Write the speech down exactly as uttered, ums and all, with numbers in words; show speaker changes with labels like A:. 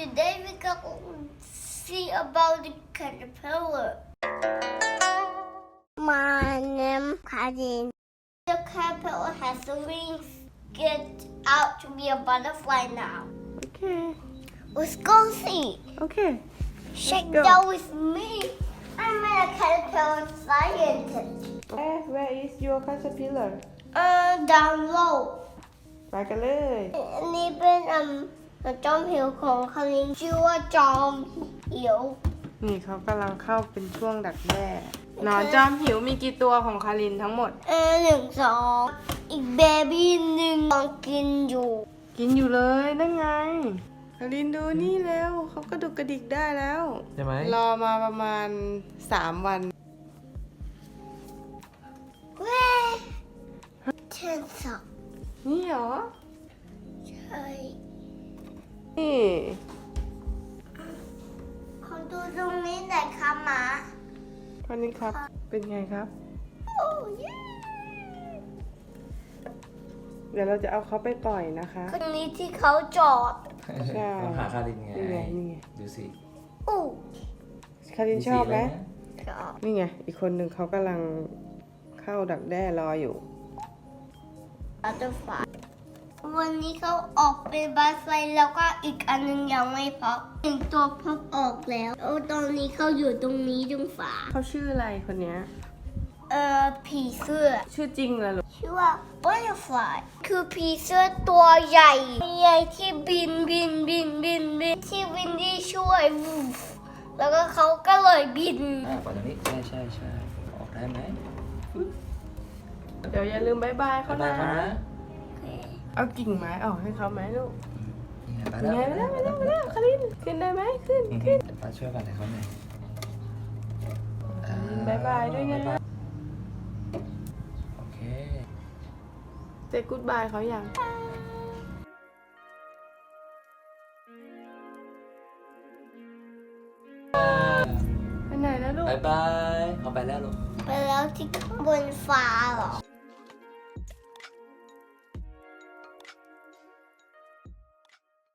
A: today we go see about the caterpillar. My name Karin. The caterpillar has the wings. Get out to be a butterfly now.
B: Okay.
A: Let's go see.
B: Okay.
A: Check
B: go.
A: that with me. I'm a caterpillar scientist.
B: Where Where is your caterpillar
A: Uh, down low.
B: ไปกันเลย
A: อันนี้เป็นอืมจอมผิวของคารินชื่อว่าจอมผิว
B: นี่เขากำลังเข้าเป็นช่วงดักแด้หนอนจอมหิวมีกี่ตัวของคารินทั้งหมด
A: เออหนึ่งสองอีกเบบี้หนึ่งกำลังกินอยู่
B: กินอยู่เลยนั่นไงคารินดูนี่แล้วเขากระดุกกระดิกได้แล้ว
C: ใช่ไหม
B: รอมาประมาณสามวัน
A: เว้ยเช่นสอง
B: นี่เหรอ
A: ใช่
B: นี่
A: ขอดูตรงนี้หน่อยค่ะหมา
B: คารินครับเป็นไงครับ
A: โอ้ย
B: เดี๋ยวเราจะเอาเขาไปปล่อยนะคะ
A: ตรงนี้ที่เขาจอด
B: ใช่
C: ต้องหาคารินไง
B: นี่ไงนี่ไง
C: ดูสิ
A: อู้
B: คารินชอบไหม
C: ดูสิเลยนะ
A: จอด
B: นี่ไงอีกคนหนึ่งเขากำลังเข้าดักแด้รออยู่
A: บัตเตอร์ฟลายวันนี้เขาออกเป็นบัตเตอร์ฟลายแล้วก็อีกอันหนึงยังไม่พบหนึ่งตัวพบออกแล้วแล้วตอนนี้เขาอยู่ตรงนี้ตรงฝา
B: เขาชื่ออะไรคนเนี้ย
A: เอ่อผีเสื้อ
B: ชื่อจริงเหรอลูก
A: ชื่อว่า butterfly คือผีเสื้อตัวใหญ่ใหญ่ที่บินบินบินบินบินที่วินดี้ช่วยวูฟแล้วก็เขาก็เลยบิน
C: อ่าปล่อยตรงนี้ใช่ใช่ใช่ออกได้ไหม
B: เดี๋ยวอย่าลืมบายบายเขา
C: ได้
B: นะ
C: ครับนะ
B: เอากิ่งไม้ออกให้เขาไหมลูก
C: นี่ไงไป
B: ยังไง
C: แล้ว
B: ไปแล้วไปแล้วไปแล้วคารินขึ้นได้ไหมขึ้น
C: อืม
B: ขึ้น
C: เดี๋ยวป้าช่วยกันให้เขาหน่อยอ่
B: บายบายด้วยนะ
C: บ๊าบาโอเค
B: เซกูดบายเขาอย่างไปไหนแล้วลูก
C: บายบายเขาไปแล้วลูก
A: ไปแล้วที่ข้างบนฟ้าเหรอ